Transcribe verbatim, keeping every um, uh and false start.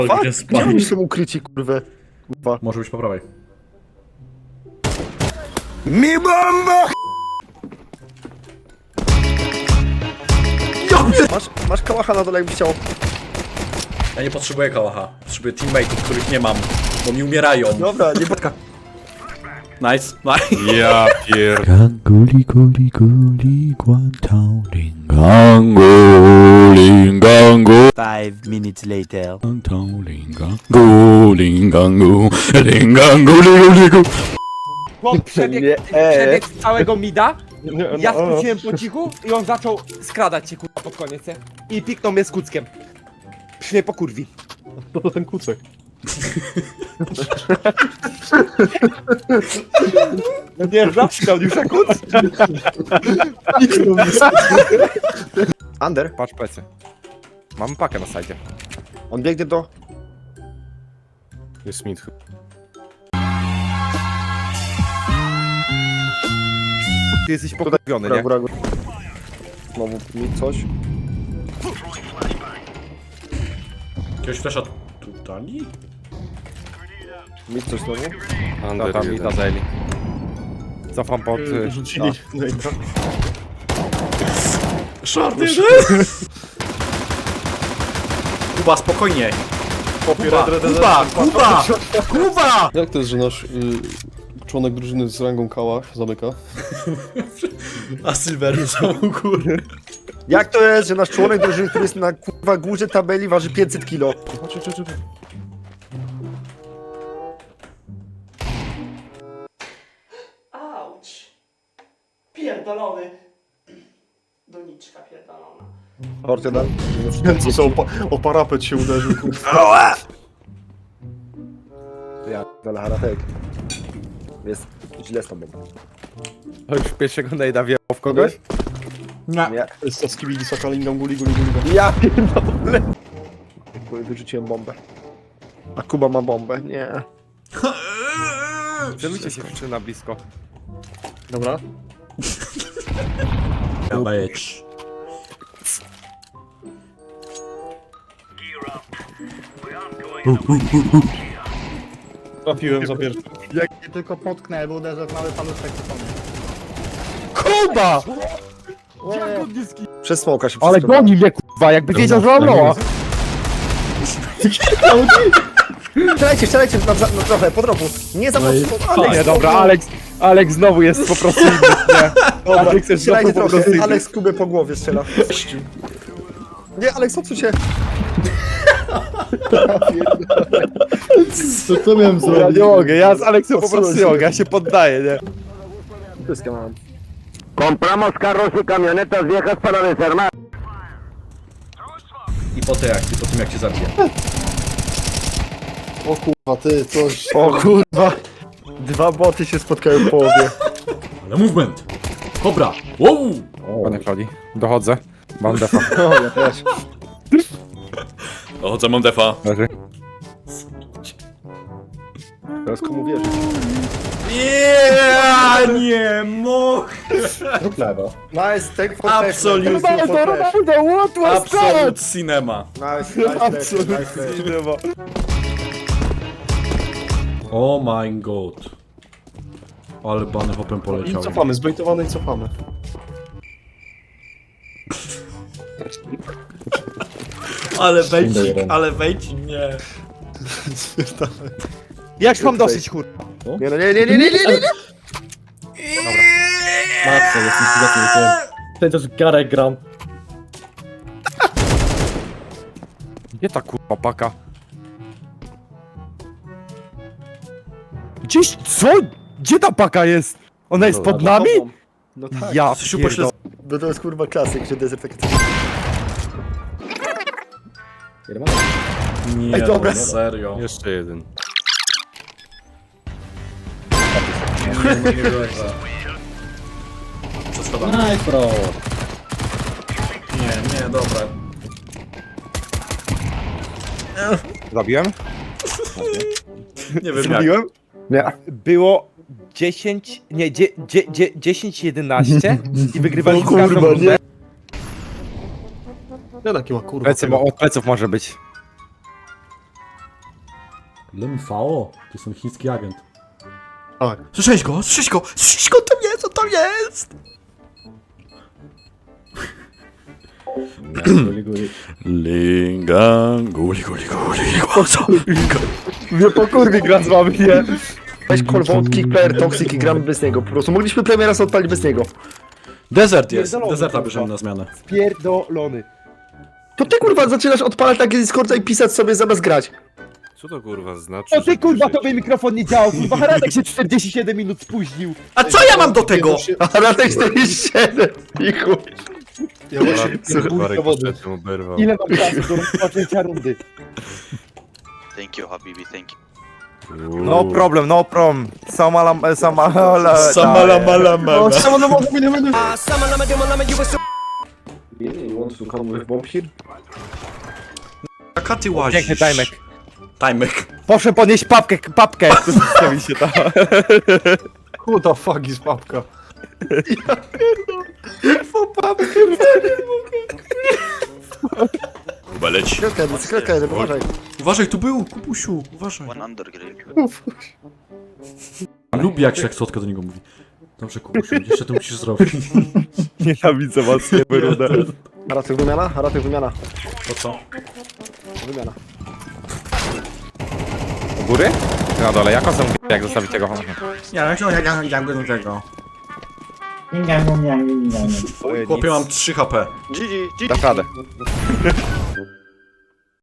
Fuck, Gdzie gdzie oni spać? są ukryci, kurwa? Kurwa. Może być po prawej. Mi bomba! Masz, masz kałacha na dole, jakbyś chciał. Ja nie potrzebuję kałacha. Potrzebuję teammateów, których nie mam. Bo mi umierają. Dobra, nie podka. Nice, nice. Ja pier... Ganguli guli guli guantao lingangu lingangu Five minutes later. guantao lingangu lingangu lingangu lingangu. Chłop Nie, przebiegł, e. przebiegł z całego mida, ja no. skróciłem po cichu i on zaczął skradać się kurwa pod koniec, nie? I piknął mnie z kuckiem. Przy mnie po kurwi. To ten kucek. No nie, zawsze już jak kuc. Under, Patrz plecy. Mamy pakę na sajdzie. on biegnie do... Jest mid. Ty jesteś Tutaj, pokurwiony, góra, nie? góra, góra. Znowu mi coś. Jakiegoś flesza tu dali? Mi coś znowu. Ta, Under tam i jeden. ta zajęli. Cofam pod... y, Rzucili. Short Kuba, spokojnie. Kuba, Kuba, Kuba, Kuba! Jak to jest, że nasz y, członek drużyny z rangą kałach zamyka? A Silver są u góry. Jak to jest, że nasz członek drużyny, który jest na kurwa górze tabeli, waży pięćset kilo? Chodź, chodź, chodź. Auć! Pierdolony! Doniczka pierdolona. Ortega. Co co, o, o parapet się uderzył, kurwa. Ja, ale haratek. Jest źle z tobą. To już pierwszego najda wjechał w kogoś? Nie. Jest to skibidi sakalingam guli guli guli. Ja pierdolę. Wyrzuciłem bombę. A Kuba ma bombę, nie. Celujcie się w na blisko. Dobra. Być. Trafiłem za pierwszy. Jak nie tylko potknę, bo uderzę w mały paluszek, to pomnie. Kuba! Przez smoka się Ale wszystko goni mnie kurwa, jakby wiedział, że mam loa. Strzelajcie, strzelajcie na, na, na trochę, po drogu. Nie za mocno. Aleks, Nie, dobra, Alex, Alex znowu jest po prostu inny, nie? Dobra, Alex jest strzelajcie znowu po prostu trochę. inny. Aleks Kubę po głowie strzela. Nie, Aleks, odsuń się. Co to miałem Ja zrobić? nie mogę, ja z Aleksem po prostu nie mogę, ja się poddaję, nie? Pyskę mam. I po, te jak, I po tym jak cię zabiję. O kurwa, ty, coś. O kurwa. Dwa boty się spotkają w połowie. Ale movement! Kobra! Wow! Panie Claudii, dochodzę. Mam defa. No, ja też. Dochodzę, mam defa. Leży. Teraz komu wierzy? Ja nie mogę! Nice, take for Absolutnie. flash. Take for flash. Absolute cinema. Nice, nice, nice, nice. Oh my god. Ale bany hopem I poleciał. cofamy, zbejtowany i cofamy. Ale wejdź, ale wejdź, nie. Ja już mam dosyć kur... Nie, no nie, nie, nie, nie, nie, nie, nie. Matce, jestem zgadnikiem. Ten też garek gram. Gdzie ta kurwa paka? Gdzieś, co? Gdzie ta paka jest? Ona jest pod nami? No tak. Ja Coś pierdolę. pośle... No to jest kurwa klasyk, że desert takie... Nie, Ej, dobra. no, serio. Jeszcze jeden. Nie, nie, nie wierzę. Co schodami? Nice, bro. Nie, nie, dobra. Zabiłem? Nie wiem jak. Zrobiłem? Nie. Było dziesięć, nie, dzie, dzie, dzie, dziesięć jedenaście i wygrywaliśmy No kurwa, każdą rundę. nie. Ja taki ma kurwa. Plecy, tego. od pleców może być. Lem V O, to jest ten chiński agent. Tak. Słyszałeś go? Słyszałeś go? Słyszałeś go? Tam jest, on tam jest! Guli, guli. Lingan, guli, guli, guli, guanta. Mnie po kurwie gra z wami, nie? Weź call wątki, player toxic i gramy bez niego. Po prostu mogliśmy premiera sobie odpalić bez niego. Desert jest, Pierdolony, deserta kurwa. bierzemy na zmianę. Pierdolony. To ty kurwa zaczynasz odpalać takie Discorda i pisać sobie zamiast grać. Co to kurwa znaczy? O ty że kurwa, piszecie? tobie mikrofon nie działał, kurwa, Haradek się czterdzieści siedem minut spóźnił. A co ja mam do tego? A na tej czterdzieści siedem i chuj. Ja właśnie Kurwa, Marek rykoszetem się oberwał. Ile mam czasu do rozpoczęcia rundy? Thank you, Habibi, thank you. No problem, no problem. Samala, samala, Samala mala mala. O, samo na mocy, nie będę. You want to come with bomb here? Jaka ty łazisz? Piękny timek. Timek. Proszę podnieść papkę, papkę. Zostawi się tam. Who the fuck is papka? Kuba leci. Skradka jeden, skradka jeden, uważaj. Uważaj, tu był, Kubusiu, uważaj. One undergrade. Lubi jak się jak słodko do niego mówi. Dobrze, Kubusiu, jeszcze to musisz zrobić. Nienawidzę was, nie wyrudę. Haratek wymiana? Haratek wymiana. To co? Wymiana. U góry? Na dole, jak on sam jak zostawić tego? Ja, ja, ja, ja, ja do tego. Chłopie, mam trzy H P. G G, G G. Dasz radę.